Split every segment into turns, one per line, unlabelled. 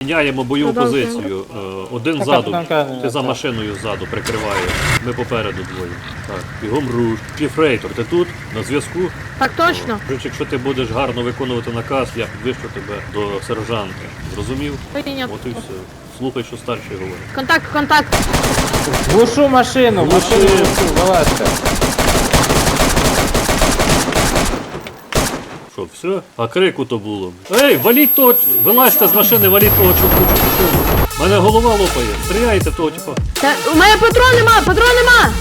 Міняємо бойову
Продовжуємо.
позицію. Один ззаду, ти за машиною ззаду прикриваєш. Ми попереду двоє. Так, бігом руш. Піфрейтор, ти тут? На зв'язку?
Так точно.
Якщо ти будеш гарно виконувати наказ, я підвищу тебе до сержанта. Зрозумів?
Прийнято.
От і все. Слухай, що старший говорить.
Контакт, контакт.
Глушу машину, машину глушу, вилазьте.
Що, все? А крику то було. Ей, валіть того! Вилазьте з машини, валіть того чувака. Мене голова лопає. Стріляйте того, типа.
У мене патрон нема, патрон нема.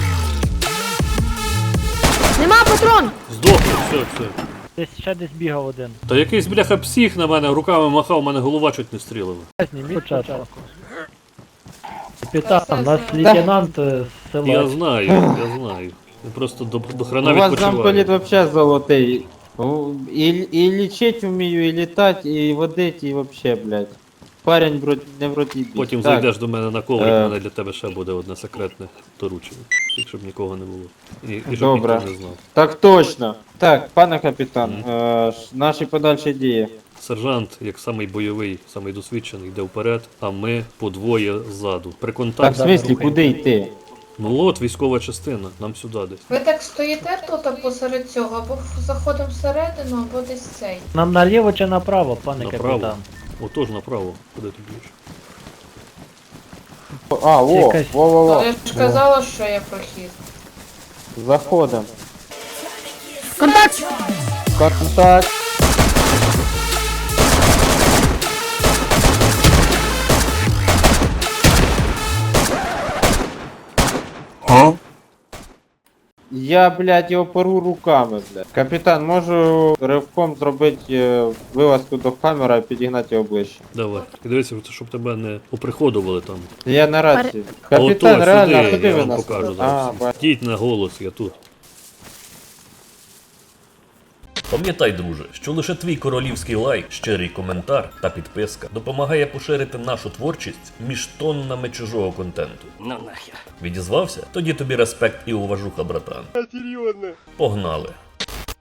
Нема патрон.
Здохли, все.
Десь бігав один.
Та якийсь бляха псих на мене руками махав, мене голова чуть не стрілила.
Зніміть початку. Капітан, у нас лейтенант
Я
села.
знаю. Я просто до
У
хрена
вас замполіт
відпочиваю.
вообще золотий. І лічить вмію, і літати, і водити, і вообще, блядь. Парень не вроді бій.
Потім
Так,
зайдеш до мене на коврик, у мене для тебе ще буде одне секретне доручення. Тільки щоб нікого не було. І щоб
Добре.
ніхто не знав.
Так точно. Так, пане капітан, наші подальші дії.
Сержант, як самий бойовий, самий досвідчений, йде вперед, а ми по двоє ззаду. При
Так, в
контакті.
смислі, куди йти?
Ну от військова частина, нам сюди десь.
Ви так стоїте тут посеред цього, або заходимо всередину, або десь цей.
Нам наліво чи направо, пане
Направо.
капітан?
Отож направо. Куди ти б'єш?
А, во,
Якась-
во.
Але ж казала, що є прохід.
Заходимо.
Контакт.
Контакт. Я, блядь, його пору руками, блядь. Капітан, можу ривком зробити вилазку до хамера і підігнати його ближче.
Давай. І дивіться, щоб тебе не оприходували там.
Я на рації.
Ото,
Капітан, реально,
сюди,
куди
я
ви
вам
нас?
покажу
А,
зараз.
бачу.
Йдіть на голос, я тут.
Пам'ятай, друже, що лише твій королівський лайк, щирий коментар та підписка допомагає поширити нашу творчість між тоннами чужого контенту.
Ну нахер.
Відізвався? Тоді тобі респект і уважуха, братан. Серйозно? Погнали.